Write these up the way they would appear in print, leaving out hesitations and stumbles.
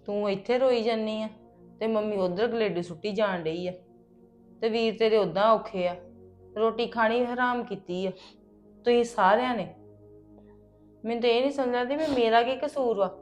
ਤੂੰ ਇੱਥੇ ਰੋਈ ਜਾਨੀ ਆ ਤੇ ਮੰਮੀ ਉਧਰ ਗਲੇਡੀ ਸੁੱਟੀ ਜਾਣ ਡਈ ਆ ਤੇ ਵੀਰ ਤੇਰੇ ਉਦਾਂ ਔਖੇ ਆ। ਰੋਟੀ ਖਾਣੀ ਹਰਾਮ ਕੀਤੀ ਆ ਤੁਸੀਂ ਸਾਰਿਆਂ ਨੇ। ਮੈਨੂੰ ਤਾਂ ਇਹ ਨਹੀਂ ਸਮਝ ਆਉਂਦੀ ਵੀ ਮੇਰਾ ਕੀ ਕਸੂਰ ਵਾ।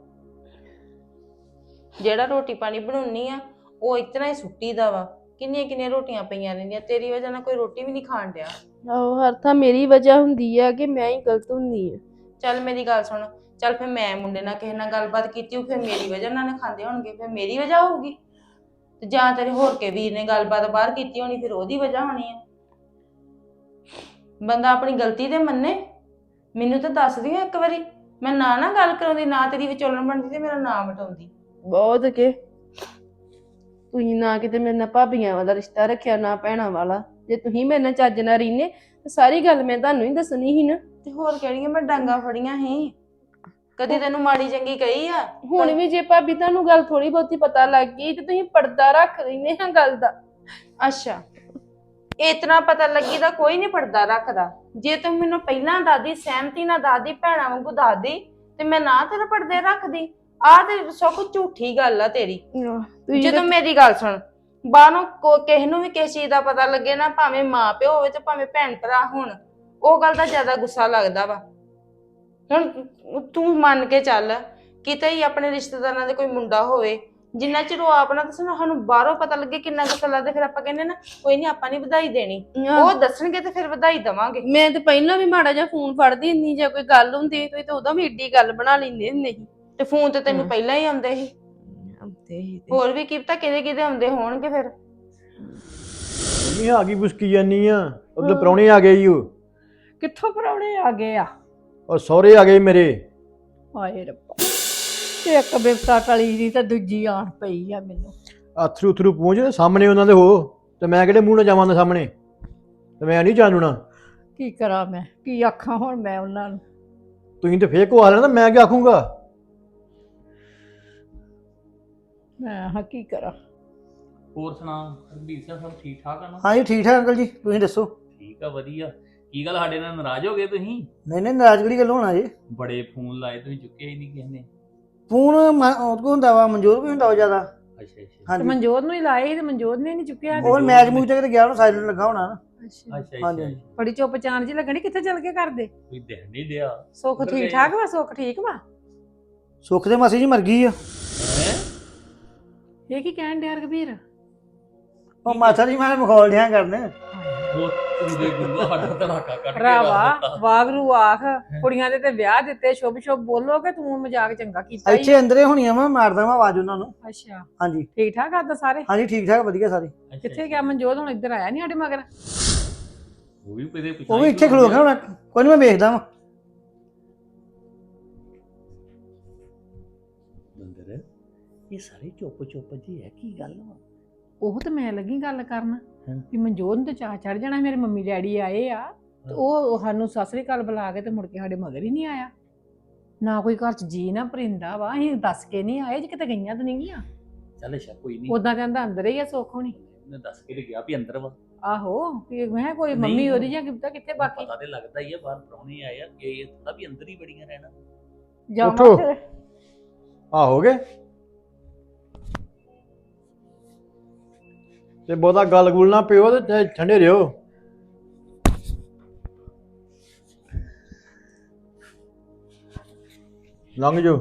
ਜਿਹੜਾ ਰੋਟੀ ਪਾਣੀ ਬਣਾਉਣੀ ਆ ਉਹ ਇਤਨਾ ਹੀ ਸੁੱਟੀ ਦਾ ਵਾ। ਕਿੰਨੀਆਂ ਕਿੰਨੀਆਂ ਰੋਟੀਆਂ ਪਈਆਂ ਰਹਿੰਦੀਆਂ, ਤੇਰੀ ਵਜ੍ਹਾ ਨਾਲ ਕੋਈ ਰੋਟੀ ਵੀ ਨਹੀਂ ਖਾਣ ਡਿਆ। ਆਹੋ ਹਰ ਥਾਂ ਮੇਰੀ ਵਜ੍ਹਾ ਹੁੰਦੀ ਆ ਕਿ ਮੈਂ ਹੀ ਗਲਤ ਹੁੰਦੀ ਆ। ਚੱਲ ਮੇਰੀ ਗੱਲ ਸੁਣ, ਚੱਲ ਫਿਰ ਮੈਂ ਮੁੰਡੇ ਨਾਲ ਕਿਸੇ ਨਾਲ ਗੱਲਬਾਤ ਕੀਤੀ ਫਿਰ ਮੇਰੀ ਵਜ੍ਹਾ ਨਾਲ ਨਾ ਖਾਂਦੇ ਹੋਣਗੇ, ਫਿਰ ਮੇਰੀ ਵਜ੍ਹਾ ਹੋਊਗੀ। ਤੇ ਜਾਂ ਤੇਰੇ ਹੋਰ ਕੇ ਵੀਰ ਨੇ ਗੱਲਬਾਤ ਬਾਹਰ ਕੀਤੀ ਹੋਣੀ, ਫਿਰ ਉਹਦੀ ਵਜ੍ਹਾ ਹੋਣੀ ਆ। ਬੰਦਾ ਆਪਣੀ ਗਲਤੀ ਤੇ ਮੰਨੇ। ਮੈਨੂੰ ਤਾਂ ਦੱਸ ਦਿਓ ਇੱਕ ਵਾਰੀ, ਮੈਂ ਨਾ ਗੱਲ ਕਰਾਉਂਦੀ, ਨਾ ਤੇਰੀ ਵਿਚੋਲਣ ਬਣਦੀ ਤੇ ਮੇਰਾ ਨਾਮ ਮਿਟਾਉਂਦੀ। ਬਹੁਤ ਕੇ ਤੁਸੀਂ ਨਾ ਕਿਤੇ ਮੇਰੇ ਨਾਲ ਭਾਬੀਆਂ ਵਾਲਾ ਰਿਸ਼ਤਾ ਰੱਖਿਆ, ਨਾ ਭੈਣਾਂ ਵਾਲਾ। ਜੇ ਤੁਸੀਂ ਮੇਰੇ ਨਾਲ ਚੱਜ ਨਾਲ ਰਹਿੰਦੇ ਤਾਂ ਸਾਰੀ ਗੱਲ ਮੈਂ ਤੁਹਾਨੂੰ ਹੀ ਦੱਸਣੀ ਸੀ ਨਾ। ਤੇ ਹੋਰ ਕਿਹੜੀਆਂ ਮੈਂ ਡਾਂਗਾ ਫੜੀਆਂ ਸੀ? ਕਦੀ ਤੈਨੂੰ ਮਾੜੀ ਚੰਗੀ ਕਹੀ ਆ? ਹੁਣ ਵੀ ਜੇ ਭਾਬੀ ਤੁਹਾਨੂੰ ਗੱਲ ਥੋੜੀ ਬਹੁਤੀ ਪਤਾ ਲੱਗ ਗਈ ਤੇ ਤੁਸੀਂ ਪਰਦਾ ਰੱਖ ਲੈਂਦੇ ਹਾਂ ਗੱਲ ਦਾ। ਅੱਛਾ, ਇਤਨਾ ਪਤਾ ਲੱਗੀ ਤਾਂ ਕੋਈ ਨਹੀਂ ਪਰਦਾ ਰੱਖਦਾ। ਜੇ ਤੂੰ ਮੈਨੂੰ ਪਹਿਲਾਂ ਦੱਸਦੀ, ਸਹਿਮਤੀ ਨਾਲ ਦੱਸਦੀ, ਭੈਣਾਂ ਵਾਂਗੂ ਦੱਸਦੀ ਤੇ ਮੈਂ ਨਾ ਤੇਰੇ ਪਰਦੇ ਰੱਖਦੀ। ਆਹ ਤੇ ਸਭ ਝੂਠੀ ਗੱਲ ਆ ਤੇਰੀ। ਜਦੋਂ ਮੇਰੀ ਗੱਲ ਸੁਣ, ਬਾਹਰੋਂ ਕਿਸੇ ਨੂੰ ਵੀ ਕਿਸੇ ਚੀਜ਼ ਦਾ ਪਤਾ ਲੱਗੇ ਨਾ, ਭਾਵੇਂ ਮਾਂ ਪਿਓ ਹੋਵੇ ਤੇ ਭਾਵੇਂ ਭੈਣ ਭਰਾ ਹੋਣ, ਉਹ ਗੱਲ ਦਾ ਜ਼ਿਆਦਾ ਗੁੱਸਾ ਲੱਗਦਾ ਵਾ। ਹੁਣ ਤੂੰ ਮੰਨ ਕੇ ਚੱਲ, ਕਿਤੇ ਹੀ ਆਪਣੇ ਰਿਸ਼ਤੇਦਾਰਾਂ ਦੇ ਕੋਈ ਮੁੰਡਾ ਹੋਵੇ, ਜਿੰਨਾ ਚਿਰ ਉਹ ਆਪ ਨਾ ਦੱਸਣ, ਸਾਨੂੰ ਬਾਹਰੋਂ ਪਤਾ ਲੱਗੇ ਕਿੰਨਾ ਗੁੱਸਾ ਲੱਗਦਾ। ਫਿਰ ਆਪਾਂ ਕਹਿੰਦੇ ਨਾ ਕੋਈ ਨਹੀਂ, ਆਪਾਂ ਨਹੀਂ ਵਧਾਈ ਦੇਣੀ, ਉਹ ਦੱਸਣਗੇ ਤੇ ਫਿਰ ਵਧਾਈ ਦੇਵਾਂਗੇ। ਮੈਂ ਤੇ ਪਹਿਲਾਂ ਵੀ ਮਾੜਾ ਜਿਹਾ ਫੋਨ ਫੜਦੀ ਹੁੰਦੀ, ਜੇ ਕੋਈ ਗੱਲ ਹੁੰਦੀ ਤੁਸੀਂ ਤਾਂ ਉਦੋਂ ਵੀ ਏਡੀ ਗੱਲ ਬਣਾ ਲੈਂਦੇ ਹੁੰਦੇ ਸੀ। ਤੇ ਫੋਨ ਤੇ ਤੈਨੂੰ ਪਹਿਲਾਂ ਹੀ ਆਉਂਦੇ ਸੀ। ਹੋਰ ਵੀ ਕੀ ਪਤਾ ਕਿਹਦੇ ਕਿਹਦੇ ਆਉਂਦੇ ਹੋਣਗੇ। ਫਿਰ ਮੰਮੀ ਆ ਗਈ ਬੁਸਕੀ ਜਾਨੀ ਆ, ਉਧਰ ਪ੍ਰਾਹੁਣੇ ਆ ਗਏ ਈ। ਉਹ ਕਿੱਥੋਂ ਪਰੌਣੇ ਆ ਗਏ ਆ? ਉਹ ਸਹੁਰੇ ਆ ਗਏ ਮੇਰੇ। ਹਾਏ ਰੱਬਾ, ਇੱਕ ਬਿਪਤਾ ਟਲੀ ਦੀ ਤੇ ਦੂਜੀ ਆਣ ਪਈ ਆ ਮੈਨੂੰ। ਅਥਰੂ ਉਥਰੂ ਪਹੁੰਚ ਸਾਹਮਣੇ ਉਹਨਾਂ ਦੇ ਹੋ, ਤੇ ਮੈਂ ਕਿਹੜੇ ਮੂੰਹ ਨਾਲ ਜਾਵਾਂ ਦੇ ਸਾਹਮਣੇ, ਤੇ ਮੈਂ ਨਹੀਂ ਜਾਣੂਣਾ। ਕੀ ਕਰਾਂ ਮੈਂ, ਕੀ ਆਖਾਂ ਹੁਣ ਮੈਂ ਉਹਨਾਂ ਨੂੰ? ਤੁਸੀਂ ਤੇ ਫੇਰ ਕੋ ਆ ਲੈਣਾ, ਮੈਂ ਕੀ ਆਖੂੰਗਾ? ਮੈਂ ਹਾਂ ਕੀ ਕਰਾਂ। ਹੋਰ ਸੁਣਾ ਹਰਬੀਰ ਸਿੰਘ, ਸਭ ਠੀਕ ਠਾਕ ਆ ਨਾ? ਹਾਂਜੀ ਠੀਕ ਠਾਕ ਅੰਕਲ ਜੀ, ਤੁਸੀਂ ਦੱਸੋ? ਠੀਕ ਆ, ਵਧੀਆ। ਕੀ ਗੱਲ ਸਾਡੇ ਨਾਲ ਨਾਰਾਜ਼ ਹੋ ਗਏ ਤੁਸੀਂ? ਨਹੀਂ ਨਹੀਂ, ਨਾਰਾਜ਼ ਕਿਹੜੀ ਗੱਲ ਹੋਣਾ ਜੀ? ਬੜੇ ਫੋਨ ਲਾਏ ਤੁਸੀਂ, ਚੁੱਕਿਆ ਹੀ ਨਹੀਂ ਕਿਸੇ ਨੇ। ਫੋਨ ਉਹ ਕੋ ਹੁੰਦਾ ਵਾ, ਮਨਜੋਰ ਵੀ ਹੁੰਦਾ ਵਾ ਜ਼ਿਆਦਾ। ਅੱਛਾ ਅੱਛਾ ਤੇ ਹਾਂਜੀ, ਮਨਜੋਤ ਨੂੰ ਹੀ ਲਾਏ ਸੀ ਤੇ ਮਨਜੋਤ ਨੇ ਨਹੀਂ ਚੁੱਕਿਆ। ਉਹ ਮੈਚ ਮੂਚ ਤੇ ਗਿਆ, ਉਹਨੂੰ ਸਾਈਲੈਂਟ ਲੱਗਾ ਹੋਣਾ ਨਾ। ਅੱਛਾ, ਅੱਛਾ ਹਾਂਜੀ। ਅੱਛਾ, ਬੜੀ ਚੁੱਪ ਚਾਨ ਜੀ ਲੱਗਣੀ, ਕਿੱਥੇ ਚਲ ਕੇ ਕਰਦੇ? ਕੋਈ ਦਿਖ ਨਹੀਂ ਦਿਆ। ਸੁੱਖ ਉੱਧਰ ਠੀਕ ਗਏ। ਠਾਕ ਵਾ? ਸੁੱਖ ਠੀਕ ਵਾ? ਸੁੱਖ ਦੇ ਮਾਸੀ ਜੀ ਮਰ ਗਈ ਆ। ਹੈਂ? ਇਹ ਕੀ ਕਹਿਣ ਡਿਆ ਰਘਬੀਰ? ਉਹ ਮਾਸਾ ਜੀ ਮੈਂ ਮਖੌਲ ਡਿਆ ਕਰਨੇ। ਉਹ ਉਹਦੇ ਗੁਰੂ ਸਾਡਾ ਧੜਾਕਾ ਕੱਢ ਕੇ ਭਰਾਵਾ ਵਾਗਰੂ ਆਖ, ਕੁੜੀਆਂ ਦੇ ਤੇ ਵਿਆਹ ਦਿੱਤੇ, ਸ਼ੁਭ ਸ਼ੁਭ ਬੋਲੋਗੇ। ਤੂੰ ਮਜ਼ਾਕ ਚੰਗਾ ਕੀਤਾ ਈ। ਇੱਥੇ ਅੰਦਰੇ ਹੋਣੀਆਂ ਵਾ, ਮਾਰਦਾ ਮੈਂ ਆਵਾਜ਼ ਉਹਨਾਂ ਨੂੰ। ਅੱਛਾ, ਹਾਂਜੀ ਠੀਕ ਠਾਕ ਆਦਾ ਸਾਰੇ? ਹਾਂਜੀ ਠੀਕ ਠਾਕ, ਵਧੀਆ ਸਾਰੇ। ਕਿੱਥੇ ਗਿਆ ਮਨਜੋਤ? ਹੁਣ ਇੱਧਰ ਆਇਆ ਨਹੀਂ ਸਾਡੇ ਮਗਰ? ਉਹ ਵੀ ਕਿਤੇ ਉਹ ਵੀ ਇੱਥੇ ਖਲੋ ਗਿਆ ਹੋਣਾ, ਕੋਈ ਨਹੀਂ ਮੈਂ ਵੇਖਦਾ ਵਾਂ। ਬੰਦਰ, ਇਹ ਸਾਰੇ ਚੁੱਪ ਚੁੱਪ ਜੀ ਹੈ, ਕੀ ਗੱਲ ਵਾ? ਉਹ ਤੇ ਮੈਂ ਲੱਗੀ ਗੱਲ ਕਰਨ ਹਾਂ। ਵੀ ਮਨਜੋਤ ਨੂੰ ਤੇ ਚਾਹ ਚੜ ਜਾਣਾ, ਮੇਰੇ ਮੰਮੀ ਡੈਡੀ ਆਏ ਆ ਤੇ ਉਹ ਸਾਨੂੰ ਸਤਿ ਸ੍ਰੀ ਅਕਾਲ ਬੁਲਾ ਕੇ ਤੇ ਮੁੜ ਕੇ ਸਾਡੇ ਮਗਰ ਹੀ ਨਹੀਂ ਆਇਆ। ਨਾ ਕੋਈ ਘਰ ਚ ਜੀ ਨਾ ਪਰਿੰਦਾ ਵਾ, ਅਸੀਂ ਦੱਸ ਕੇ ਨਹੀਂ ਆਏ, ਜੇ ਕਿਤੇ ਗਈਆਂ ਤਾਂ ਨਹੀਂ ਗਈਆਂ। ਚੱਲ ਅੱਛਾ, ਕੋਈ ਨਹੀਂ। ਉਦਾਂ ਕਹਿੰਦਾ ਅੰਦਰ ਹੀ ਆ ਸੁੱਖ ਹੋਣੀ। ਉਹਨੇ ਦੱਸ ਕੇ ਤੇ ਗਿਆ ਵੀ ਅੰਦਰ ਵਾ। ਆਹੋ, ਵੀ ਮੈਂ ਕਿਹਾ ਕੋਈ ਨਹੀਂ, ਮੰਮੀ ਉਹਦੀ ਜਾਂ ਕਿਤਾ ਕਿੱਥੇ ਬਾਕੀ ਪਤਾ ਤੇ ਲੱਗਦਾ ਹੀ ਆ, ਬਾਹਰ ਪ੍ਰਾਹੁਣੇ ਆਏ ਆ, ਇਹ ਥੋੜਾ ਵੀ ਅੰਦਰ ਹੀ ਬੜੀਆਂ ਰਹਿਣਾ। ਜਾਵਾਂ ਉੱਠੋ। ਫਿਰ। ਆ ਹੋ ਗਏ ਤੇ ਬਹੁਤਾ ਗੱਲ ਗੁਲ ਨਾ ਪਿਓ, ਤੇ ਠੰਡੇ ਰਿਓ। ਲੰਘ ਜਾਓ।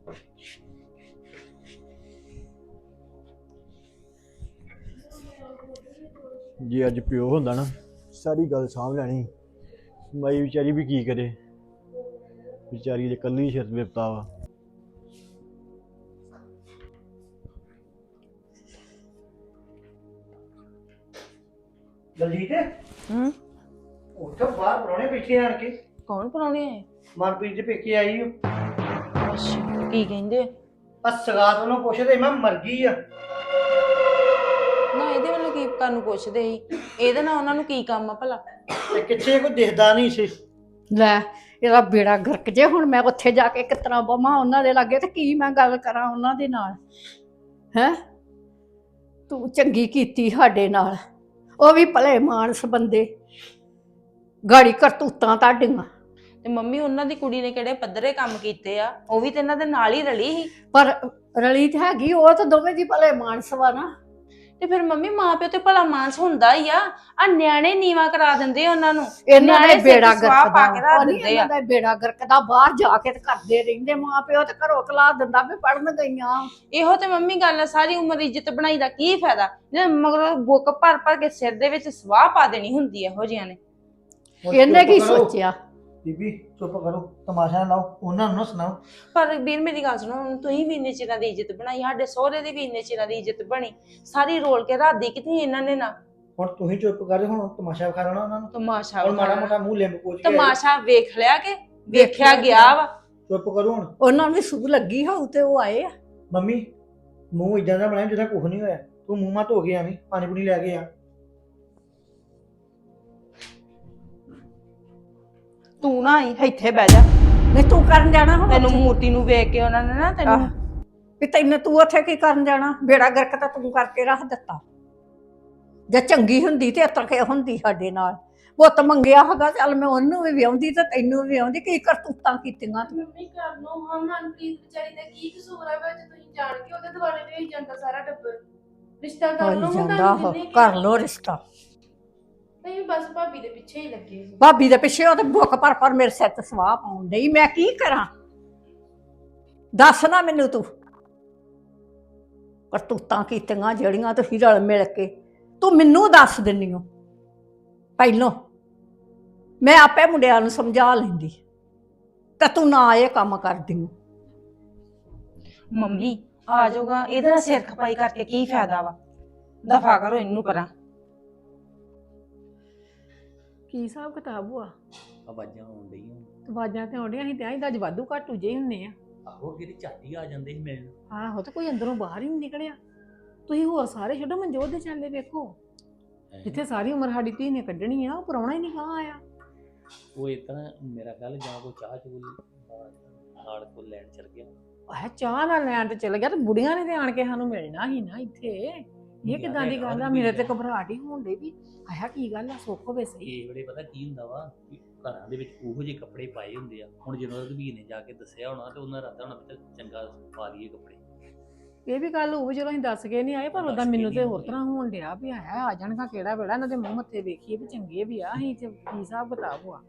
ਜੇ ਅੱਜ ਪਿਓ ਹੁੰਦਾ ਨਾ, ਸਾਰੀ ਗੱਲ ਸਾਂਭ ਲੈਣੀ। ਮਾਈ ਵਿਚਾਰੀ ਵੀ ਕੀ ਕਰੇ, ਵਿਚਾਰੀ ਦੇ ਕੱਲੀ ਸਿਰ ਵਿਪਤਾ ਵਾ। ਦਲਜੀਤ ਹੂੰ, ਉੱਥੇ ਬਾਹਰ ਪ੍ਰਾਹੁਣੇ ਬੈਠੇ ਆਣ ਕੇ। ਕੌਣ ਪਰਾਉਣੇ ਆਏ? ਮਨਪ੍ਰੀਤ ਦੇ ਪੇਕੇ ਆਈ ਓ। ਅੱਛਾ, ਕੀ ਕਹਿੰਦੇ? ਆ ਸਗਾਤ ਉਹਨੂੰ ਪੁੱਛਦੇ, ਮੈਂ ਮਰ ਗਈ ਆ। ਨਾ ਇਹਦੇ ਵੱਲੋਂ ਕੀ ਕਰਨ ਨੂੰ ਪੁੱਛਦੇ ਸੀ? ਇਹਦੇ ਨਾਲ ਉਹਨਾਂ ਨੂੰ ਕੀ ਕੰਮ ਆ ਭਲਾ? ਤੇ ਕਿੱਥੇ ਕੋਈ ਦਿਖਦਾ ਨਹੀਂ ਸੀ। ਲੈ, ਇਹਦਾ ਬੇੜਾ ਗਰਕ ਜੇ। ਹੁਣ ਮੈਂ ਉੱਥੇ ਜਾ ਕੇ ਕਿਸ ਤਰ੍ਹਾਂ ਬਵਾਂ ਉਹਨਾਂ ਦੇ ਲਾਗੇ, ਤੇ ਕੀ ਮੈਂ ਗੱਲ ਕਰਾਂ ਉਹਨਾਂ ਦੇ ਨਾਲ? ਹੈ, ਤੂੰ ਚੰਗੀ ਕੀਤੀ ਸਾਡੇ ਨਾਲ, ਉਹ ਵੀ ਭਲੇ ਮਾਨਸ ਬੰਦੇ, ਗਾੜੀ ਕਰਤੂਤਾਂ ਤੁਹਾਡੀਆਂ। ਤੇ ਮੰਮੀ ਉਹਨਾਂ ਦੀ ਕੁੜੀ ਨੇ ਕਿਹੜੇ ਪੱਧਰੇ ਕੰਮ ਕੀਤੇ ਆ? ਉਹ ਵੀ ਤੇ ਇਹਨਾਂ ਦੇ ਨਾਲ ਹੀ ਰਲੀ ਸੀ। ਪਰ ਰਲੀ ਤੇ ਹੈਗੀ, ਉਹ ਤਾਂ ਦੋਵੇਂ ਦੀ ਭਲੇ ਮਾਨਸ ਵਾ ਨਾ। ਤੇ ਫਿਰ ਮੰਮੀ ਮਾਂ ਪਿਓ ਤੇ ਭਲਾ ਮਾਨਸ ਹੁੰਦਾ ਹੀ ਆ ਨਿਆਣੇ ਨੀਵਾ ਕਰਾ ਦਿੰਦੇ ਆ ਉਹਨਾਂ ਨੂੰ। ਇਹਨਾਂ ਦਾ ਨਿਆਣੇ ਸਿਰ ਬੇੜਾ ਤੇ ਸਵਾਹ ਗਰਕ ਪਾ ਦਾ ਕੇ ਰੱਖ ਉਹ ਨੀ ਦਿੰਦੇ ਆ। ਇਹਨਾਂ ਦਾ ਬੇੜਾ ਗਰਕ ਦਾ, ਬਾਹਰ ਜਾ ਕੇ ਤੇ ਕਰਦੇ ਰਹਿੰਦੇ ਮਾਂ ਪਿਓ, ਤੇ ਘਰੋਂ ਕਲਾ ਦਿੰਦਾ ਵੀ ਪੜਨ ਗਈਆਂ। ਇਹੋ ਤੇ ਮੰਮੀ ਗੱਲ ਆ, ਸਾਰੀ ਉਮਰ ਇੱਜ਼ਤ ਬਣਾਈ ਦਾ ਕੀ ਫਾਇਦਾ ਜੇ ਮਗਰੋਂ ਬੁੱਕ ਭਰ ਭਰ ਕੇ ਸਿਰ ਦੇ ਵਿੱਚ ਸਵਾਹ ਪਾ ਦੇਣੀ ਹੁੰਦੀ ਇਹੋ ਜਿਹੀਆਂ ਨੇ। ਹੁਣ ਇਹਨੇ ਕੀ ਚੁੱਪ ਕਰੋ। ਸੋਚਿਆ? ਬੀਬੀ ਚੁੱਪ ਕਰੋ, ਤਮਾਸ਼ਾ ਨਾ ਲਾਓ, ਉਹਨਾਂ ਨੂੰ ਨਾ ਸੁਣਾਓ। ਪਰ ਵੀਰ ਮੇਰੀ ਗੱਲ ਸੁਣੋ, ਹੁਣ ਤੁਸੀਂ ਵੀ ਇੰਨੇ ਚਿਰਾਂ ਦੀ ਇੱਜ਼ਤ ਬਣਾਈ, ਸਾਡੇ ਸਹੁਰੇ ਦੀ ਵੀ ਇੰਨੇ ਚਿਰਾਂ ਦੀ ਇੱਜ਼ਤ ਬਣੀ, ਸਾਰੀ ਰੋਲ ਕੇ ਰਾਦੀ ਕਿਤੇ ਇਹਨਾਂ ਨੇ ਨਾ। ਹੁਣ ਤੁਸੀਂ ਚੁੱਪ ਕਰ, ਹੁਣ ਤਮਾਸ਼ਾ ਵਿਖਾ ਲੈਣਾ ਉਹਨਾਂ ਨੂੰ। ਤਮਾਸ਼ਾ ਹੁਣ ਮਾੜਾ ਮੋਟਾ ਮੂੰਹ ਲਿੰਬ ਪੋਚ ਕੇ ਤਮਾਸ਼ਾ ਵੇਖ ਲਿਆ ਕਿ ਵੇਖਿਆ ਗਿਆ ਵਾ। ਚੁੱਪ ਕਰੋ ਹੁਣ। ਉਹਨਾਂ ਨੂੰ ਵੀ ਸੂਹ ਲੱਗੀ ਹੋਊ ਤੇ ਉਹ ਆਏ ਆ। ਮੰਮੀ ਮੂੰਹ ਇਦਾਂ ਦਾ ਬਣਾਇਆ ਜਿੱਦਾਂ ਕੁਝ ਨਹੀਂ ਹੋਇਆ। ਤੂੰ ਮੂੰਹ ਮਾ ਧੋ ਕੇ ਆਵੀਂ, ਪਾਣੀ ਪੂਣੀ ਲੈ ਕੇ ਆ। ਤੂੰ ਨਾ ਆਈ ਇੱਥੇ ਬਹਿ ਜਾ, ਨਹੀਂ ਤੂੰ ਕਰਨ ਜਾਣਾ ਹੁਣ ਤੈਨੂੰ ਉੱਥੇ? ਮੂਰਤੀ ਨੂੰ ਵੇਖ ਕੇ ਉਹਨਾਂ ਨੇ ਨਾ ਤੈਨੂੰ ਆਹ, ਵੀ ਤੈਨੂੰ ਤੂੰ ਉੱਥੇ ਕੀ ਕਰਨ ਜਾਣਾ? ਬੇੜਾ ਗਰਕ ਤਾਂ ਤੂੰ ਕਰਕੇ ਰੱਖ ਦਿੱਤਾ। ਜੇ ਚੰਗੀ ਹੁੰਦੀ ਤੇ ਇਤਰ ਕੇ ਹੁੰਦੀ ਸਾਡੇ ਨਾਲ। ਪੁੱਤ ਮੰਗਿਆ ਹੈਗਾ, ਚੱਲ ਮੈਂ ਉਹਨੂੰ ਵੀ ਵਿਆਉਂਦੀ ਤੇ ਤੈਨੂੰ ਵੀ ਵਿਆਉਂਦੀ। ਕੀ ਕਰਤੂਤਾਂ ਕੀਤੀਆਂ ਤੂੰ? ਮੰਮੀ ਕਰ ਲਓ ਹਾਂ, ਮਨਪ੍ਰੀਤ ਵਿਚਾਰੀ ਦਾ ਕੀ ਕਸੂਰ ਹੈ ਵਿੱਚ ਤੁਸੀਂ ਜਾਣ ਕੇ ਉਹਦੇ ਦੁਆਲੇ ਵੇਈ ਜਾਂਦਾ ਸਾਰਾ ਟੱਬਰ। ਰਿਸ਼ਤਾ ਕਰ ਲਓ ਹੋਈ ਹੁਣ, ਜਾਂਦਾ ਤੁਹਾਨੂੰ ਉਹ, ਕਿੰਨੇ ਕਰ ਲੋ ਰਿਸ਼ਤਾ। ਨਹੀਂ ਬਸ ਭਾਬੀ ਦੇ ਪਿੱਛੇ ਹੀ ਲੱਗੇ ਸੀ। ਭਾਬੀ ਦੇ ਪਿੱਛੇ ਉਹ ਤੇ ਬੁੱਕ ਪਰ ਮੇਰੇ ਸਿਰ ਤੇ ਸਵਾਹ ਪਾਉਣ ਡਈ। ਮੈਂ ਕੀ ਕਰਾਂ? ਦੱਸ ਨਾ ਮੈਨੂੰ ਤੂੰ। ਕਰਤੂਤਾਂ ਕੀਤੀਆਂ ਜਿਹੜੀਆਂ ਤੁਸੀਂ ਰਲ ਮਿਲ ਕੇ, ਤੂੰ ਮੈਨੂੰ ਦੱਸ ਦਿੰਨੀ ਓ ਪਹਿਲੋਂ। ਮੈਂ ਆਪੇ ਮੁੰਡਿਆਂ ਨੂੰ ਸਮਝਾ ਲੈਂਦੀ ਤੇ ਤੂੰ ਨਾ ਇਹ ਕੰਮ ਕਰਦੀ ਓ। ਮੰਮੀ ਆ ਜਾਊਗਾ, ਇਹਦੇ ਨਾਲ ਸਿਰ ਖਪਾਈ ਕਰਕੇ ਕੀ ਫਾਇਦਾ ਵਾ। ਦਫਾ ਕਰੋ ਇਹਨੂੰ ਪਰਾਂ। ਕੀ ਹਿਸਾਬ ਕਿਤਾਬ ਹੋਆ? ਆਵਾਜ਼ਾਂ ਆਉਣ ਡਈਆਂ। ਆਵਾਜ਼ਾਂ ਤੇ ਆਉਂਦੀਆਂ ਸੀ ਤੇ ਆਹੀਂ ਤਾਂ ਅੱਜ ਵਾਧੂ ਘਾਟੂ ਜੇ ਹੁੰਨੇ ਆ। ਆਹੋ ਕਿਤੇ ਝਾਟੀ ਆ ਜਾਂਦੇ ਸੀ ਮਿਲਣ। ਆਹੋ ਤੇ ਕੋਈ ਅੰਦਰੋਂ ਬਾਹਰ ਹੀ ਨਹੀਂ ਨਿਕਲਿਆ। ਤੁਸੀਂ ਹੋਰ ਸਾਰੇ ਛੱਡੋ, ਮਨਜੋਤ ਦੇ ਚਾਲੇ ਵੇਖੋ, ਜਿੱਥੇ ਸਾਰੀ ਉਮਰ ਸਾਡੀ ਧੀ ਨੇ ਕੱਢਣੀ ਆ, ਉਹ ਪ੍ਰਾਹੁਣਾ ਹੀ ਨਹੀਂ ਕਹਾਂ ਆਇਆ। ਉਹ ਇਸ ਤਰ੍ਹਾਂ ਮੇਰਾ ਗੱਲ ਜਾਂ ਕੋਈ ਚਾਹ ਚੂਲ ਨਾਲ ਕੋ ਲੈਣ ਚਲ ਗਿਆ। ਆਹ ਚਾਹ ਨਾਲ ਲੈਣ ਤੇ ਚਲ ਗਿਆ ਤੇ ਬੁੜੀਆਂ ਨੇ ਤੇ ਆਣ ਕੇ ਸਾਨੂੰ ਮਿਲਣਾ ਸੀ ਨਾ ਇੱਥੇ। ਇਹ ਕਿਦਾਂ ਦੀ ਗੱਲ ਆ? ਮੇਰੇ ਤੇ ਘਬਰਾਹਟ ਹੀ ਹੋਣ ਡਈ ਵੀ ਆਇਆ ਕੀ ਗੱਲ ਆ, ਸੁੱਖ ਹੋਵੇ ਸਹੀ। ਇਹ ਵੇਲੇ ਪਤਾ ਕੀ ਹੁੰਦਾ ਵਾ ਕਿ ਘਰਾਂ ਦੇ ਵਿੱਚ ਉਹੋ ਜਿਹੇ ਕੱਪੜੇ ਪਾਏ ਹੁੰਦੇ ਆ। ਹੁਣ ਜਦੋਂ ਰਘਬੀਰ ਨੇ ਜਾ ਕੇ ਦੱਸਿਆ ਹੋਣਾ ਤੇ ਉਹਨਾਂ ਰਾਦਾ ਹੋਣਾ ਵੀ ਚੰਗਾ ਪਾ ਲਈਏ ਕੱਪੜੇ। ਇਹ ਵੀ ਗੱਲ ਉਹ ਜਦੋਂ ਅਸੀਂ ਦੱਸ ਕੇ ਨਹੀਂ ਆਏ, ਪਰ ਉਦਾਂ ਮੈਨੂੰ ਤੇ ਹੋਰ ਤਰ੍ਹਾਂ ਹੋਣ ਡਿਆ ਵੀ ਆਇਆ ਆ ਜਾਣਗਾ ਕਿਹੜਾ ਵੇਲਾ, ਇਹਨਾਂ ਦੇ ਮੂੰਹ ਮੱਥੇ ਵੇਖੀਏ ਵੀ ਚੰਗੇ ਵੀ ਆ, ਅਸੀਂ ਤੇ ਕੀ ਹਿਸਾਬ ਕਿਤਾਬ ਹੋਆ।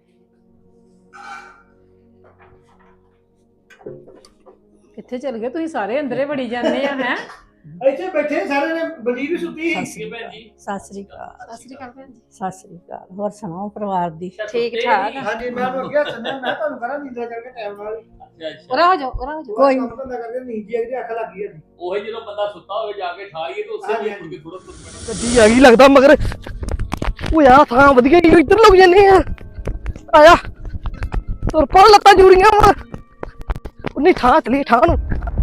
ਕਿੱਥੇ ਚਲ ਗਏ ਤੁਸੀਂ? ਸਾਰੇ ਅੰਦਰੇ ਵੜੀ ਜਾਂਦੇ ਆ। ਹੈ ਇੱਥੇ ਬੈਠੇ ਸਾਰੇ ਨੇ, ਬਲਜੀਤ ਵੀ ਸੁੱਤੀ ਸੀ। ਭੈਣ ਜੀ ਸਤਿ ਸ੍ਰੀ ਅਕਾਲ। ਸਤਿ ਸ੍ਰੀ ਅਕਾਲ ਭੈਣ ਜੀ। ਸਤਿ ਸ੍ਰੀ ਅਕਾਲ। ਹੋਰ ਸੁਣਾਓ ਪਰਿਵਾਰ ਦੀ? ਠੀਕ ਠਾਕ ਆ। ਹਾਂਜੀ ਮੈਂ ਤੁਹਾਨੂੰ ਅੱਗੇ ਸੁਣਿਆ, ਮੈਂ ਤੁਹਾਨੂੰ ਕਰਾਂ ਨੀਂਦ ਕਰਕੇ ਟਾਈਮ ਨਾਲ। ਅੱਛਾ ਅੱਛਾ। ਉਰਾ ਹੋ ਜਾਓ, ਉਰਾ ਹੋ ਜਾਓ। ਕੋਈ ਕੰਮ ਧੰਦਾ ਕਰਕੇ ਨੀਂਦ ਜੀ ਅੱਖ ਲੱਗ ਗਈ ਹੈ। ਉਹੀ ਜਦੋਂ ਬੰਦਾ ਸੁੱਤਾ ਹੋਵੇ ਜਾ ਕੇ ਠਾਈਏ ਤੇ ਉਸੇ ਵੇਲੇ ਮੁੜ ਕੇ ਥੋੜਾ ਤੁਰ ਪੈਣਾ। ਗੱਡੀ ਆ ਗਈ ਲੱਗਦਾ ਮਗਰ। ਉਹ ਯਾਰ ਥਾਂ ਵਧੀਆ ਹੀ ਇੱਧਰ ਲੱਗ ਜੰਨੇ ਆ। ਆਇਆ ਤੁਰ ਪਾ, ਲੱਤਾਂ ਜੁੜੀਆਂ ਵਾ। ਉਨੀ ਥਾਂ ਚਲੀ ਥਾਂ ਨੂੰ।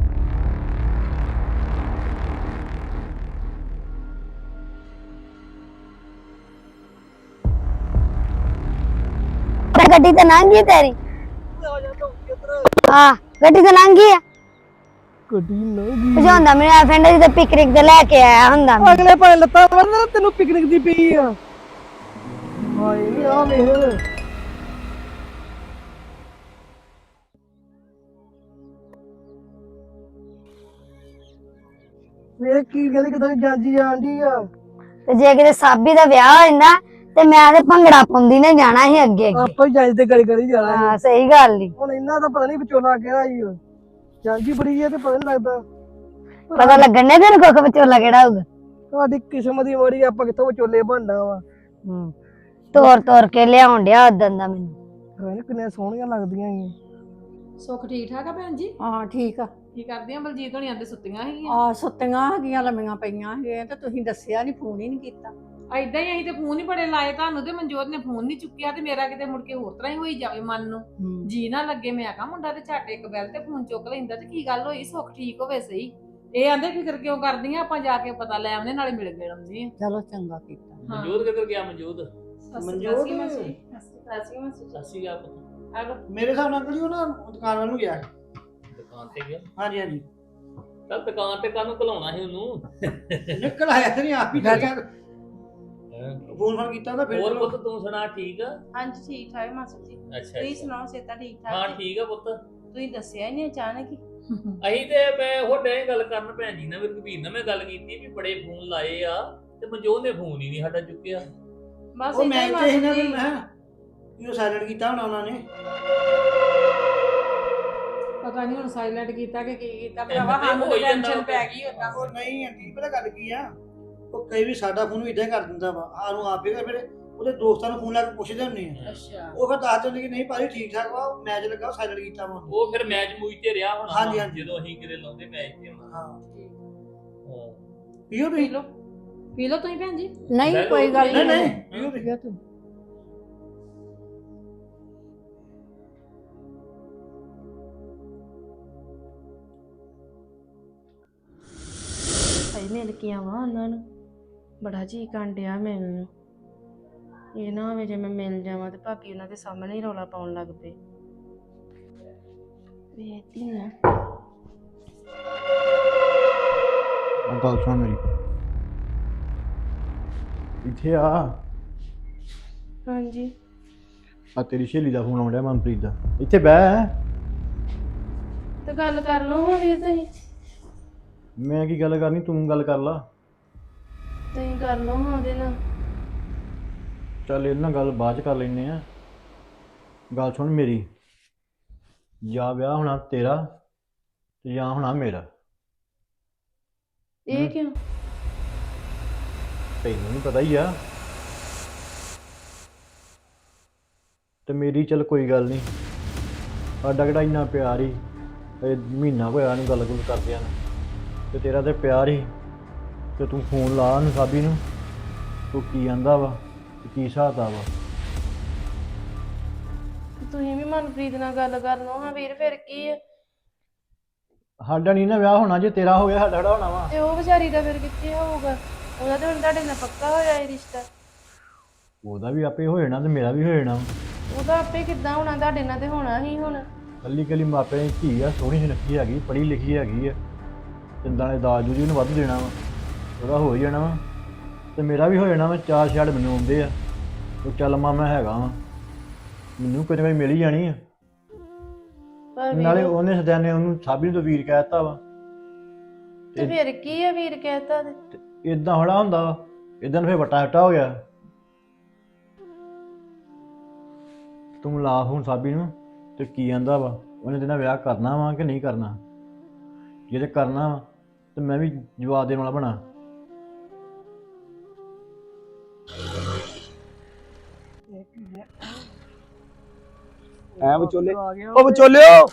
ਗੱਡੀ ਤੇ ਲੰਘ ਗਈ ਤੇਰੀ? ਹਾਂ ਗੱਡੀ ਤੇ ਲੰਘ ਗਈ ਆ। ਗੱਡੀ ਲੰਘੀ। ਭਜਾਉਂਦਾ ਮੇਰਾ ਫਰੈਂਡ ਜਿੱਥੇ ਪਿਕਨਿਕ ਤੇ ਲੈ ਕੇ ਆਇਆ ਹੁੰਦਾ ਮੈਂ। ਅਗਲੇ ਭਾਵੇਂ ਲੱਤਾਂ ਵਰਨਾ ਤੈਨੂੰ ਪਿਕਨਿਕ ਦੀ ਪਈ ਆ। ਹਾਏ ਨੀ ਆ ਵੇਖ। ਵੇਖ ਕੀ ਕਹਿੰਦੇ ਕਿਦਾਂ ਜਾਂਦੀ ਆਂਦੀ ਆ। ਤੇ ਜੇ ਕਿਤੇ ਸਾਬੀ ਦਾ ਵਿਆਹ ਹੋ ਜਾਂਦਾ ਤੇ ਮੈਂ ਤੇ ਭੰਗੜਾ ਪਾਉਂਦੀ ਨੇ ਜਾਣਾ ਸੀ ਅੱਗੇ ਅੱਗੇ। ਆਪਾਂ ਹੀ ਜਾਂਦੇ ਤੇ ਗਲੀ ਗਲੀ ਜਾਣਾ। ਹਾਂ ਸਹੀ ਗੱਲ ਈ। ਹੁਣ ਇਹਨਾਂ ਦਾ ਪਤਾ ਨਹੀਂ ਵਿਚੋਲਾ ਕਿਹੜਾ ਹੀ ਜਾਂਦੀ ਬੜੀ ਆ ਤੇ ਪਤਾ ਨਹੀਂ ਲੱਗਦਾ। ਪਤਾ ਲੱਗਣ ਨੇ ਤੈਨੂੰ ਕੁੱਖ ਵਿਚੋਲਾ ਕਿਹੜਾ ਹੋਊਗਾ। ਤੁਹਾਡੀ ਕਿਸਮਤ ਦੀ ਮਾੜੀ, ਆਪਾਂ ਕਿੱਥੋਂ ਵਿਚੋਲੇ ਬਣਨਾ ਵਾ। ਤੋਰ ਤੋਰ ਕੇ ਲਿਆਉਣ ਡਿਆ ਉਦੋਂ ਦਾ ਮੈਨੂੰ। ਕਿੰਨੀਆਂ ਸੋਹਣੀਆਂ ਲੱਗਦੀਆਂ ਸੀ। ਸੁੱਖ ਠੀਕ ਠਾਕ ਆ ਭੈਣ ਜੀ? ਹਾਂ ਠੀਕ ਆ। ਕੀ ਕਰਦੇ ਆ? ਬਲਜੀਤ ਹੋਣੀ ਆਂਦੇ ਸੁੱਤੀਆਂ ਹੈਗੀਆਂ। ਆ ਸੁੱਤੀਆਂ ਹੈਗੀਆਂ, ਲੰਮੀਆਂ ਪਈਆਂ ਹੈਗੀਆਂ ਤੇ ਤੁਸੀਂ ਦੱਸਿਆ ਨਹੀਂ, ਫੋਨ ਹੀ ਨਹੀਂ ਕੀਤਾ। ਐਦਾਂ ਹੀ ਅਸੀਂ ਤੇ ਫੋਨ ਹੀ ਬੜੇ ਲਾਏ ਤੁਹਾਨੂੰ, ਤੇ ਮਨਜੋਤ ਨੇ ਫੋਨ ਨਹੀਂ ਚੁੱਕਿਆ ਤੇ ਮੇਰਾ ਕਿਤੇ ਮੁੜ ਕੇ ਹੋਰ ਤਰ੍ਹਾਂ ਹੀ ਹੋਈ ਜਾਵੇ ਮਨ ਨੂੰ। ਜੀ ਨਾ ਲੱਗੇ। ਮੈਂ ਆਖਾਂ ਮੁੰਡਾ ਤੇ ਝੱਟ ਇੱਕ ਬੈਲ ਤੇ ਫੋਨ ਚੁੱਕ ਲੈਂਦਾ ਤੇ ਕੀ ਗੱਲ ਹੋਈ, ਸੁੱਖ ਠੀਕ ਹੋਵੇ ਸਹੀ। ਇਹ ਆਂਦੇ ਫਿਕਰ ਕਿਉਂ ਕਰਦੀਆਂ, ਆਪਾਂ ਜਾ ਕੇ ਪਤਾ ਲੈ ਆਉਂਦੇ, ਨਾਲੇ ਮਿਲ ਗਏ ਆਉਂਦੇ ਆ। ਚਲੋ ਚੰਗਾ ਕੀਤਾ। ਮਨਜੋਤ ਕਿੱਧਰ ਗਿਆ? ਮਨਜੋਤ ਮਨਜੋਤ ਸੱਸੀ ਗਿਆ ਪੁੱਤ। ਆਲੋ ਮੇਰੇ ਹਿਸਾਬ ਨਾਲ ਅੰਕਲ ਜੀ ਉਹ ਨਾ ਦੁਕਾਨ ਵੱਲ ਨੂੰ ਗਿਆ। ਦੁਕਾਨ ਤੇ ਗਿਆ। ਹਾਂਜੀ ਹਾਂਜੀ ਚੱਲ ਦੁਕਾਨ ਤੇ ਕਾਹਨੂੰ ਘਲਾਉਣਾ ਸੀ ਉਹਨੂੰ। ਨਿਕਲ ਆਇਆ ਤੇ ਨਹੀਂ ਆਪ ਹੀ ਚੱਲ ਗਿਆ। ਫੋਨ ਫੋਨ ਕੀਤਾ ਤਾਂ ਫਿਰ ਹੋਰ ਚਲੋ। ਪੁੱਤ ਤੂੰ ਸੁਣਾ ਠੀਕ ਆ? ਹਾਂਜੀ ਠੀਕ ਠਾਕ ਮਾਸਟਰ ਜੀ। ਅੱਛਾ ਤੁਸੀਂ ਅੱਛਾ। ਸੁਣਾਓ, ਸਿਹਤਾਂ ਠੀਕ ਠਾਕ ਹਾਂ ਜੀ? ਠੀਕ ਆ ਪੁੱਤ। ਤੁਸੀਂ ਦੱਸਿਆ ਹੀ ਨਹੀਂ ਅਚਾਨਕ ਹੀ। ਅਸੀਂ ਤੇ ਮੈਂ ਤੁਹਾਡੇ ਗੱਲ ਕਰਨ ਭੈਣ ਜੀ ਨਾਲ ਵੀ ਰਘਬੀਰ ਨਾਲ ਮੈਂ ਗੱਲ ਕੀਤੀ ਵੀ ਬੜੇ ਫੋਨ ਲਾਏ ਆ ਤੇ ਮਨਜੋਤ ਨੇ ਫੋਨ ਹੀ ਨਹੀਂ ਸਾਡਾ ਚੁੱਕਿਆ। ਬਸ ਉਹ ਏਦਾਂ ਮੈਂ ਹੀ ਤੇ ਇਹਨਾਂ ਮਾਸੀ ਨੂੰ ਜੀ। ਮੈਂ ਉਹ ਸਾਇਲੈਂਟ ਕੀਤਾ ਹੋਣਾ ਉਹਨਾਂ ਨੇ। ਪਤਾ ਨਹੀਂ ਹੁਣ ਸਾਇਲੈਂਟ ਕੀਤਾ ਕਿ ਕੀ ਕੀਤਾ ਤੇ ਭਰਾਵਾ, ਸਾਨੂੰ ਹੋਈ ਜਾਂਦਾ ਟੈਨਸ਼ਨ ਵਾ। ਪੈ ਗਈ ਉਦਾਂ। ਉਹ ਨਹੀਂ ਆਂਟੀ ਪਤਾ ਗੱਲ ਕੀ ਆ, ਉਹ ਕਈ ਵੀ ਸਾਡਾ ਫੋਨ ਵੀ ਇਦਾਂ ਕਰ ਦਿੰਦਾ ਵਾ, ਸਾਨੂੰ ਆਪੇ ਫਿਰ ਉਹਦੇ ਦੋਸਤਾਂ ਨੂੰ ਫੋਨ ਲਾ ਕੇ ਪੁੱਛਦੇ ਹੁੰਦੇ ਆ, ਅੱਛਾ ਉਹ ਫਿਰ ਦੱਸ ਦਿੰਦੇ ਕਿ ਨਹੀਂ ਭਾਜੀ ਠੀਕ ਠਾਕ ਵਾ, ਮੈਚ ਲੱਗਾ ਸਾਇਲੈਂਟ ਕੀਤਾ ਵਾ। ਉਹ ਫਿਰ ਮੈਚ ਮੂਚ ਤੇ ਰਿਹਾ ਹੋਣਾ ਹਾਂਜੀ, ਹਾਂਜੀ। ਜਦੋਂ ਅਸੀਂ ਕਿਤੇ ਲਾਉਂਦੇ ਮੈਚ ਤੇ ਹੋਣਾ। ਹਾਂ ਹਾਂ। ਪੀਓ ਪੀ ਤੁਸੀਂ? ਲਓ ਪੀ ਲਓ ਤੁਸੀਂ ਭੈਣ ਜੀ। ਨਹੀਂ ਲੈ ਲਓ। ਕੋਈ ਗੱਲ ਨਹੀਂ ਨਹੀਂ ਨਹੀਂ ਪੀਓ ਤੁਸੀਂ। ਪੀਓ ਤੂੰ। ਭਾਈ ਮਿਲ ਕੇ ਆਵਾਂ ਉਹਨਾਂ ਨੂੰ, ਬੜਾ ਜੀ ਕਾਂਡਿਆ ਮੈਨੂੰ। ਇਹ ਨਾ ਹੋਵੇ ਜੇ ਮੈਂ ਮਿਲ ਜਾਵਾਂ ਤੇ ਭਾਬੀ ਉਹਨਾਂ ਦੇ ਸਾਹਮਣੇ ਹੀ ਰੌਲਾ ਪਾਉਣ ਲੱਗ ਪਏ। ਵੇਖਦੀ ਨਾ। ਉਹ ਗੱਲ ਸੁਣ ਮੇਰੀ, ਇੱਥੇ ਆ। ਹਾਂਜੀ ਆ ਤੇਰੀ ਸਹੇਲੀ ਦਾ ਫੋਨ ਆਉਂਦਾ ਮਨਪ੍ਰੀਤ ਦਾ, ਇੱਥੇ ਬਹਿ। ਤੇ ਗੱਲ ਕਰ ਲਓ ਹਾਂ ਵੀਰ, ਤੁਸੀਂ ਮੈਂ ਕੀ ਗੱਲ ਕਰਨੀ, ਤੂੰ ਗੱਲ ਕਰ ਲਾ। ਤੁਸੀਂ ਕਰ ਲਓ ਹਾਂ ਉਹਦੇ ਨਾਲ। ਚੱਲ ਇਹਦੇ ਨਾਲ ਗੱਲ ਬਾਅਦ ਚ ਕਰ ਲੈਨੇ ਆ। ਗੱਲ ਸੁਣ ਮੇਰੀ, ਜਾਂ ਵਿਆਹ ਹੋਣਾ ਤੇਰਾ ਤੇ ਜਾਂ ਹੋਣਾ ਮੇਰਾ। ਇਹ ਕਿਉਂ? ਤੈਨੂੰ ਵੀ ਪਤਾ ਹੀ ਆ। ਤੇ ਮੇਰੀ ਚੱਲ ਕੋਈ ਗੱਲ ਨਹੀਂ, ਸਾਡਾ ਕਿਹੜਾ ਇੰਨਾ ਪਿਆਰ ਹੀ, ਇਹ ਮਹੀਨਾ ਹੋਇਆ ਨੂੰ ਗੱਲ ਕਰਦਿਆਂ ਨੂੰ, ਤੇ ਤੇਰਾ ਤੇ ਪਿਆਰ ਹੀ। ਤੇ ਤੂੰ ਫੋਨ ਲਾ ਉਹਨੂੰ ਸਾਬੀ ਨੂੰ, ਤੂੰ ਕੀ ਆਂਦਾ ਵਾ ਤੇ ਕੀ ਹਿਸਾਬ ਵਾ। ਤੁਸੀਂ ਵੀ ਮਨਪ੍ਰੀਤ ਨਾਲ ਗੱਲ ਕਰ ਲਓ ਹਾਂ ਵੀਰ, ਫਿਰ ਕੀ ਹੈ? ਸਾਡਾ ਨਹੀਂ ਨਾ ਵਿਆਹ ਹੋਣਾ, ਜੇ ਤੇਰਾ ਹੋ ਗਿਆ ਸਾਡਾ ਕਿਹੜਾ ਹੋਣਾ ਵਾ। ਤੇ ਉਹ ਵਿਚਾਰੀ ਦਾ ਫਿਰ ਕਿੱਥੇ ਹੋਊਗਾ? ਉਹਦਾ ਤੇ ਹੁਣ ਤੁਹਾਡੇ ਨਾਲ ਪੱਕਾ ਹੋਇਆ ਇਹ ਰਿਸ਼ਤਾ। ਉਹਦਾ ਵੀ ਆਪੇ ਹੋ ਜਾਣਾ ਤੇ ਮੇਰਾ ਵੀ ਹੋ ਜਾਣਾ। ਉਹਦਾ ਆਪੇ ਕਿੱਦਾਂ ਹੋਣਾ, ਤੁਹਾਡੇ ਨਾਲ ਤੇ ਹੋਣਾ ਹੀ ਹੁਣ। ਕੱਲੀ ਕੱਲੀ ਮਾਪਿਆਂ ਦੀ ਧੀ ਆ, ਸੋਹਣੀ ਸੁਨੱਖੀ ਹੈਗੀ, ਪੜ੍ਹੀ ਲਿਖੀ ਹੈਗੀ ਆ, ਤਿੰਦਾਂ ਨੇ ਦਾਜ ਦੂਜ ਉਹਨੂੰ ਵੱਧ ਦੇਣਾ ਵਾ, ਉਹਦਾ ਹੋ ਹੀ ਜਾਣਾ ਵਾ ਤੇ ਮੇਰਾ ਵੀ ਹੋ ਜਾਣਾ ਵਾ। ਚਾਰ ਛੜ ਮੈਨੂੰ ਆਉਂਦੇ ਆ, ਉਹ ਚੱਲ ਮੈਂ ਹੈਗਾ ਵਾ, ਮੈਨੂੰ ਕੋਈ ਨਾ ਕੋਈ ਮਿਲ ਹੀ ਜਾਣੀ ਆ। ਪਰ ਨਾਲੇ ਵੀਰ, ਉਹਨੇ ਸਦਿਆ ਨੇ ਉਹਨੂੰ ਸਾਬੀ ਨੂੰ ਤਾਂ ਵੀਰ ਕਹਿ ਦਿੱਤਾ ਵਾ। ਤੇ ਫਿਰ ਕੀ ਹੈ ਵੀਰ ਕਹਿਤਾ ਤੇ? ਇਦਾਂ ਹੜਾ ਹੁੰਦਾ ਵਾ, ਇਦਾਂ ਫਿਰ ਵਟਾ ਵਟਾ ਹੋ ਗਿਆ। ਤੂੰ ਲਾ ਹੁਣ ਸਾਬੀ ਨੂੰ ਤੇ ਕੀ ਆਂਦਾ ਵਾ, ਉਹਨੇ ਤੇਰਾ ਵਿਆਹ ਕਰਨਾ ਵਾ ਕਿ ਨਹੀਂ ਕਰਨਾ। ਜੇ ਤੇ ਕਰਨਾ ਵਾ ਤੇ ਮੈਂ ਵੀ ਜਵਾਬ ਦੇਣ ਵਾਲਾ ਬਣਾ। ਐ ਵਿਚੋਲੇ, ਉਹ ਵਿਚੋਲਿਓ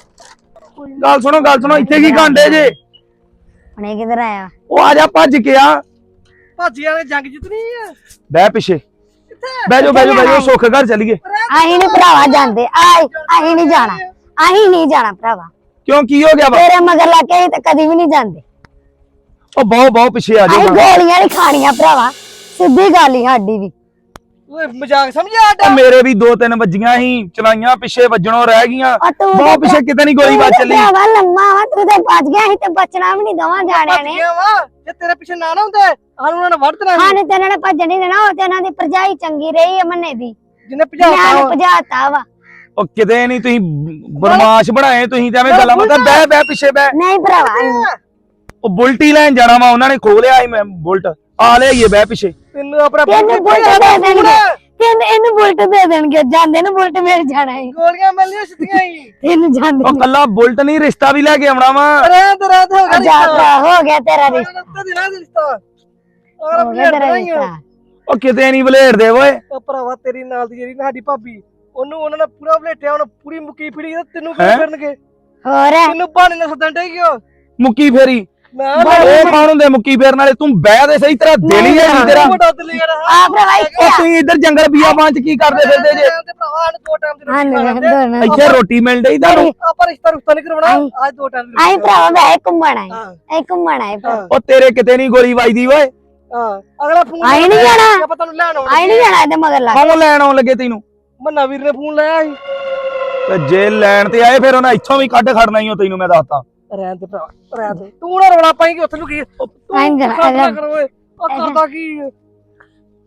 ਗੱਲ ਸੁਣੋ ਇੱਥੇ ਕੀ ਕਾਂਡੇ ਜੇ? ਹੁਣੇ ਕਿੱਧਰ ਆਇਆ? ਉਹ ਆ ਜਾ ਭੱਜ ਕੇ ਆ। ਭਾਜੀ ਵਾਲੇ ਜੰਗ ਜਿੱਤਣੀ ਆ। ਬਹਿ ਪਿੱਛੇ, ਬਹਿ ਜਾਓ ਸੁੱਖ ਘਰ ਚਲੀਏ। ਅਸੀਂ ਨੀ ਭਰਾਵਾ ਜਾਂਦੇ, ਅਸੀਂ ਨਹੀਂ ਜਾਣਾ, ਅਸੀਂ ਨਹੀਂ ਜਾਣਾ ਭਰਾਵਾ। ਕਿਉਂ ਕੀ ਹੋ ਗਿਆ ਵਾ? ਤੇਰੇ ਮਗਰ ਲੱਗ ਕੇ ਅਸੀਂ ਤਾਂ ਕਦੀ ਵੀ ਨਹੀਂ ਜਾਂਦੇ। ਉਹ ਬਹੁਤ ਪਿੱਛੇ ਆ ਅਸੀਂ ਜਾਓ। ਗੋਲੀਆਂ ਨਹੀਂ ਖਾਣੀਆਂ ਭਰਾਵਾ, ਸਿੱਧੀ ਗੱਲ ਹੀ ਸਾਡੀ ਵੀ। ਓਏ ਮਜ਼ਾਕ ਸਮਝਿਆ ਉਹ ਆਡਾ? ਮੇਰੇ ਵੀ 2-3 ਵੱਜੀਆਂ ਸੀ, ਚਲਾਈਆਂ ਪਿੱਛੇ ਵੱਜਣੋਂ ਰਹਿ ਗਈਆਂ। ਔਰ ਤੂੰ ਬਹੁਤ ਪਿੱਛੇ ਕਿਤੇ ਨਹੀਂ ਗੋਲੀ ਵੱਜ ਚੱਲੀ। ਭਰਾਵਾ ਲੰਮਾ ਵਾ, ਤੂੰ ਤੇ ਬਚ ਗਿਆ, ਅਸੀਂ ਤੇ ਬਚਣਾ ਵੀ ਨਹੀਂ ਦਵਾਂ ਜਾਣਿਆਂ ਨੇ। ਵਾ ਜੇ ਤੇਰੇ ਪਿੱਛੇ ਨਾ ਹੁੰਦੇ ਸਾਨੂੰ ਉਹਨਾਂ ਨੇ ਵੜ ਦੇਣਾ ਸੀ। ਸਾਨੂੰ ਤੇ ਇਹਨਾਂ ਨੇ ਭੱਜਣ ਨਹੀਂ ਦੇਣਾ, ਉਹ ਤੇ ਇਹਨਾਂ ਦੀ ਭਰਜਾਈ ਚੰਗੀ ਰਹੀ ਹੈ ਮੰਨੇ ਦੀ, ਜਿਹਨੇ ਮੈਂ ਭਜਾਤਾ ਭਜਾਤਾ ਵਾ। ਉਹ ਕਿਤੇ ਨਹੀਂ, ਤੁਸੀਂ ਬਦਮਾਸ਼ ਬਣਾਏ ਤੁਸੀਂ ਤੇ ਐਵੇਂ ਗੱਲਾਂ ਮਤ ਬਹਿ ਪਿੱਛੇ ਬਹਿ। ਨਹੀਂ ਭਰਾਵਾ, ਉਹ ਬੁਲਟ ਹੀ ਲੈਣ ਜਾਣਾ ਵਾ, ਉਹਨਾਂ ਨੇ ਖੋਹ ਲਿਆ ਸੀ ਮੈਂ ਬੁਲਟ ਆ ਲਿਆਈਏ ਬਹਿ ਪਿੱਛੇ। ਤੈਨੂੰ ਆਪਣਾ ਤੈਨੂੰ ਬੁਲਟ ਦੇ ਦੇਣਗੇ, ਤੈਨੂੰ ਇਹਨੂੰ ਬੁਲਟ ਦੇ ਦੇਣਗੇ, ਜਾਂਦੇ ਨੂੰ ਬੁਲਟ ਮਿਲ ਜਾਣਾ ਹੈ। ਗੋਲੀਆਂ ਮਿਲਣੀਆਂ ਸਿੱਧੀਆਂ ਹੀ। ਤੈਨੂੰ ਜਾਂਦੇ ਉਹ ਕੱਲਾ ਬੁਲਟ ਨਹੀਂ, ਰਿਸ਼ਤਾ ਵੀ ਲੈ ਕੇ ਆਉਣਾ ਵਾ। ਰਾਤ ਹੋ ਗਿਆ ਜਾ ਭਰਾ, ਹੋ ਗਿਆ ਤੇਰਾ ਰਿਸ਼ਤਾ, ਰਿਸ਼ਤਾ ਦੀ ਰਿਸ਼ਤਾ ਹੋ ਗਿਆ ਤੇਰਾ ਰਿਸ਼ਤਾ। ਉਹ ਕਿਤੇ ਨਹੀਂ ਬਲੇਡਦੇ ਓਏ। ਉਹ ਭਰਾਵਾ ਤੇਰੀ ਨਾਲ ਦੀ ਜਿਹੜੀ ਸਾਡੀ ਭਾਬੀ, ਉਹਨੂੰ ਉਹਨਾਂ ਨੇ ਪੂਰਾ ਬਲੇਟਿਆ, ਉਹਨੇ ਪੂਰੀ ਮੁੱਕੀ ਫੜੀ, ਤੈਨੂੰ ਹੈਂ? ਕੀ ਕਰਨਗੇ? ਹੋਰ ਤੈਨੂੰ ਬਹਾਨੇ ਨਾਲ ਸੱਦਣ ਡੇ ਕਿਉਂ? ਮੁੱਕੀ ਫੇਰੀ ਮੈਂ ਉਹ ਕੌਣ ਹੁੰਦੇ ਮੁੱਕੀ ਫੇਰਨ ਵਾਲੇ? ਤੂੰ ਬਹਿ ਦੇ ਸਹੀ, ਤੇਰਾ ਦਿਲ ਹੀ ਹੈ ਨਹੀਂ ਤੇਰਾ। ਵੱਡਾ ਦਿੱਲੀ ਯਾਰ ਆ ਭਰਾਵਾ ਇੱਥੇ ਉਹ ਆ। ਤੁਸੀਂ ਇੱਧਰ ਜੰਗਲ ਬੀਆਬਾਨ ਚ ਕੀ ਕਰਦੇ ਫਿਰਦੇ ਜੇ? ਤੇ ਭਰਾਵਾ ਨੇ 2 ਟਾਈਮ ਦੀ ਹਾਂ ਰੋਟੀ ਖਾ ਲੈਂਦੇ। ਦੋਨੋਂ ਇੱਥੇ ਰੋਟੀ ਮਿਲ ਡਈ ਤੁਹਾਨੂੰ? ਆਪਾਂ ਰਿਸ਼ਤਾ ਨਹੀਂ ਕਰਵਾਉਣਾ, ਅੱਜ 2 ਟਾਈਮ ਦੀ ਆਈ ਭਰਾਵਾ ਵੈ ਘੁੰਮਣ ਆਏ, ਹਾਂ। ਐ ਘੁੰਮਣ ਆਏ ਭਰਾ। ਉਹ ਤੇਰੇ ਕਿਤੇ ਨਹੀਂ ਗੋਲੀ ਵੱਜਦੀ ਓਏ। ਹਾਂ ਅਗਲਾ ਫੋਨ ਆਈ ਨੀ ਜਾਣਾ। ਆਪਾਂ ਤੁਹਾਨੂੰ ਲੈਣ ਆਉਣਾ। ਆਈ ਨਹੀਂ ਜਾਣਾ ਇਹਦੇ ਮਗਰ ਲੱਗ। ਕੌਣ ਲੈਣ ਆਉਣ ਲੱਗੇ ਤੈਨੂੰ? ਮੰਨਾ ਵੀਰ ਨੇ ਫੋਨ ਲਾਇਆ ਸੀ। ਤੇ ਜੇ ਲੈਣ ਤੇ ਆਏ ਫਿਰ ਉਹਨਾਂ ਇੱਥੋਂ ਵੀ ਕੱਢ ਖੜਨਾ ਹੀ ਤੈਨੂੰ ਮੈਂ ਦੱਸਤਾ। ਰਹਿਣ ਦੇ ਭਰਾ, ਰਹਿਣ ਦੇ, ਤੂੰ ਨਾ ਰੌਲਾ ਪਾਏਂਗੀ ਉੱਥੇ ਨੂੰ ਕੀ ਆਈ ਨੀ ਜਾਣਾ, ਕਰੋ ਓਏ, ਉਹ ਕਰਦਾ ਕੀ?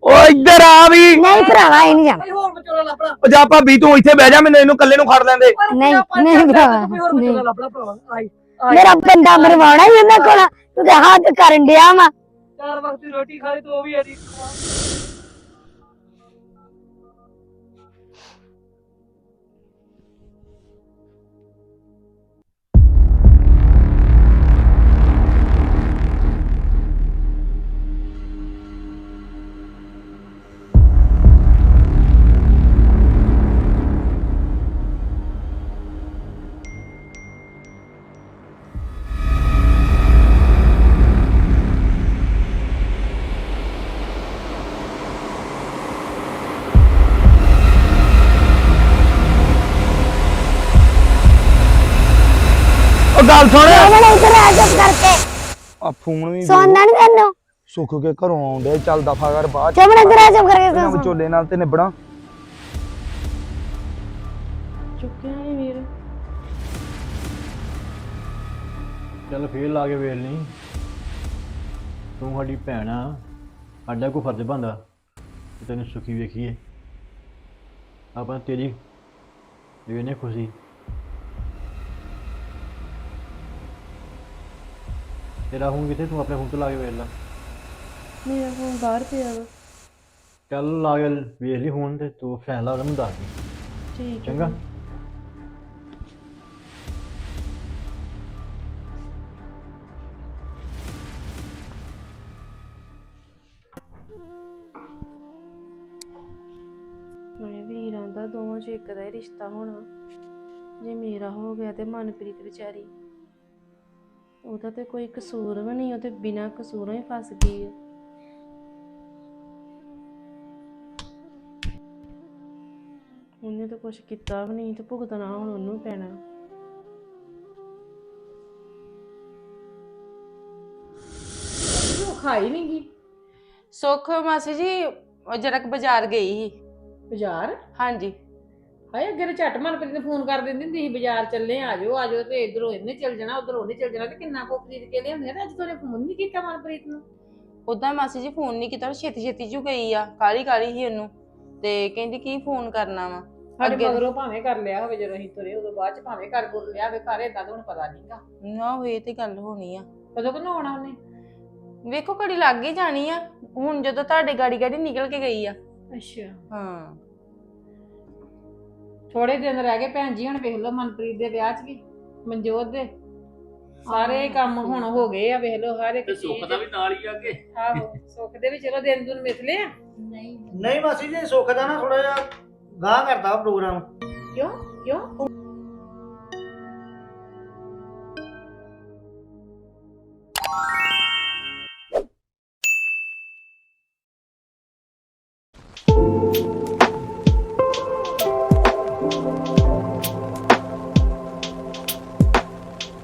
ਓ ਇੱਧਰ ਆ ਵੀ ਨਹੀਂ ਭਰਾਵਾ ਇਹ ਨਹੀਂ ਜਾਣਾ ਭਾਈ ਹੋਰ ਵਿਚੋਲਾ ਲੱਭਣਾ ਓ ਜਾ ਭਾਬੀ ਤੂੰ ਇੱਥੇ ਬਹਿ ਜਾ ਮੈਨੂੰ ਇਹਨੂੰ ਇਕੱਲੇ ਨੂੰ ਖੜ ਲੈਂਦੇ ਨਹੀਂ ਨਹੀਂ ਭਰਾਵਾ ਕੋਈ ਹੋਰ ਵਿਚੋਲਾ ਲੱਭਣਾ ਭਰਾਵਾ ਆਈ ਮੇਰਾ ਬੰਦਾ ਮਰਵਾਉਣਾ ਹੀ ਉਹਨਾਂ ਕੋਲ ਤੂੰ ਤੇ ਹੱਥ ਕਰਨ ਡਿਆ ਵਾ 4 ਵਕਤ ਦੀ ਰੋਟੀ ਖਾਈ ਤੂੰ ਉਹ ਵੀ ਅਜੀ ਓ ਗੱਲ ਸੁਣ ਚਮਨ ਇੱਧਰ ਆ ਚੁੱਪ ਕਰਕੇ ਆ ਫੋਨ ਵੀ ਸੋਨਾ ਨਹੀਂ ਤੈਨੂੰ ਸੁੱਖ ਕੇ ਘਰੋਂ ਆਉਂਦੇ ਚੱਲ ਦਫਾ ਕਰ ਬਾਅਦ ਚਮਨ ਇੱਧਰ ਆ ਚੁੱਪ ਕਰਕੇ ਇਹਨਾਂ ਸੋ ਵਿਚੋਲੇ ਨਾਲ ਤੇ ਨਿਬੜਾ ਚੁੱਕਿਆ ਨਹੀਂ ਵੀਰ। ਚੱਲ ਫੇਰ ਲਾ ਕੇ ਵੇਲ ਨਹੀਂ ਤੂੰ ਸਾਡੀ ਭੈਣ ਆ ਸਾਡਾ ਕੋਈ ਫਰਜ਼ ਬਣਦਾ ਕਿ ਤੈਨੂੰ ਸੁਖੀ ਵੇਖੀਏ ਆਪਾਂ ਤੇਰੀ ਵੇਨੇ ਖੁਸ਼ੀ ਤੇਰਾ ਹੁਣ ਕਿਤੇ ਤੂੰ ਆਪਣੇ ਫੋਨ ਤੋਂ ਲਾ ਕੇ ਵੇਖ ਲੈ ਮੇਰਾ ਫੋਨ ਬਾਹਰ ਪਿਆ ਵਾ। ਚੱਲ ਲਾ ਕੇ ਵੇਖ ਲਈ ਹੁਣ ਤੇ ਤੂੰ ਫੈਸਲਾ ਉਹਨੂੰ ਦੱਸ ਦੇ ਠੀਕ ਚੰਗਾ ਮੈਂ ਵੀਰਾਂ ਦਾ ਦੋਵਾਂ ਚ ਇੱਕ ਦਾ ਹੀ ਰਿਸ਼ਤਾ ਹੋਣਾ। ਜੇ ਮੇਰਾ ਹੋ ਗਿਆ ਤੇ ਮਨਪ੍ਰੀਤ ਵਿਚਾਰੀ ਉਹਦਾ ਤੇ ਕੋਈ ਕਸੂਰ ਵੀ ਨਹੀਂ, ਉਹ ਤੇ ਬਿਨਾਂ ਕਸੂਰੋਂ ਹੀ ਫਸ ਗਈ ਹੈ। ਉਹਨੇ ਤਾਂ ਕੁਛ ਕੀਤਾ ਵੀ ਨਹੀਂ ਤੇ ਭੁਗਤਣਾ ਹੁਣ ਉਹਨੂੰ ਪੈਣਾ। ਤੂੰ ਖਾਈ ਨਹੀਂ ਗਈ ਸੁੱਖ ਮਾਸੀ ਜੀ ਉਹ ਜਰਾ ਕੁ ਬਾਜ਼ਾਰ ਗਈ ਸੀ। ਬਾਜ਼ਾਰ? ਹਾਂਜੀ ਹਾਏ ਅੱਗੇ ਤੇ ਝੱਟ ਮਨਪ੍ਰੀਤ ਨੂੰ ਫੋਨ ਕਰ ਦਿੰਦੀ ਹੁੰਦੀ ਸੀ ਬਾਜ਼ਾਰ ਚੱਲੇ ਆ ਜਾਓ ਤੇ ਇਧਰੋਂ ਇਹਨੇ ਚੱਲ ਜਾਣਾ ਉਧਰੋਂ ਉਹਨੇ ਚੱਲ ਜਾਣਾ ਤੇ ਕਿੰਨਾ ਕੋ ਖਰੀਦ ਕੇ ਲਿਆਉਂਦੇ ਨੇ। ਅੱਜ ਤੋਂ ਫੋਨ ਨਹੀਂ ਕੀਤਾ ਮਨਪ੍ਰੀਤ ਨੂੰ। ਉਦਾਂ ਮਾਸੀ ਜੀ ਫੋਨ ਨਹੀਂ ਕੀਤਾ, ਛੇਤੀ ਛੇਤੀ ਜੂ ਗਈ ਆ, ਕਾਲੀ ਕਾਲੀ ਹੀ ਉਹਨੂੰ ਤੇ ਕਹਿੰਦੀ ਕੀ ਫੋਨ ਕਰਨਾ ਵਾ। ਸਾਡੇ ਅੱਗੇ- ਮਗਰੋਂ ਭਾਵੇਂ ਕਰ ਲਿਆ ਹੋਵੇ ਜਦੋਂ ਅਸੀਂ ਤੁਰੇ ਉਦੋਂ ਬਾਅਦ ਚ ਭਾਵੇਂ ਕਰ ਗੁਰ ਲਿਆ ਹੋਵੇ ਘਰ ਏਦਾਂ ਤਾਂ ਹੁਣ ਪਤਾ ਨਹੀਂਗਾ ਨਾ ਉਹ ਇਹ ਤੇ ਗੱਲ ਹੋਣੀ ਆ। ਕਦੋਂ ਕਿਨੂੰ ਆਉਣਾ ਉਹਨੇ। ਵੇਖੋ ਘੜੀ ਲੱਗ ਹੀ ਜਾਣੀ ਆ ਹੁਣ ਜਦੋਂ ਤੁਹਾਡੇ ਗਾੜੀ ਗਾੜੀ ਨਿਕਲ ਕੇ ਗਈ ਆ। ਅੱਛਾ ਹਾਂ ਥੋੜੇ ਦਿਨ ਰਹਿ ਗਏ ਭੈਣ ਜੀ, ਹੁਣ ਵੇਖ ਲਓ ਮਨਪ੍ਰੀਤ ਦੇ ਵਿਆਹ 'ਚ ਵੀ ਮਨਜੋਤ ਦੇ ਸਾਰੇ ਕੰਮ ਹੁਣ ਹੋ ਗਏ ਆ। ਵੇਖ ਲਓ ਹਰ ਇੱਕ ਤੇ ਸੁੱਖ ਚੀਜ਼। ਦਾ ਵੀ ਨਾਲ ਹੀ ਆ ਕੇ ਆਹੋ ਸੁੱਖ ਦੇ ਵੀ ਚਲੋ ਦਿਨ ਦੁਨ ਮਿਥਲੇ ਆ। ਨਹੀਂ ਮਾਸੀ ਜੀ ਸੁੱਖ ਦਾ ਨਾ ਥੋੜਾ ਜਿਹਾ ਗਾਹ ਕਰਦਾ ਵਾ ਪ੍ਰੋਗਰਾਮ। ਕਿਉਂ ਕਿਉਂ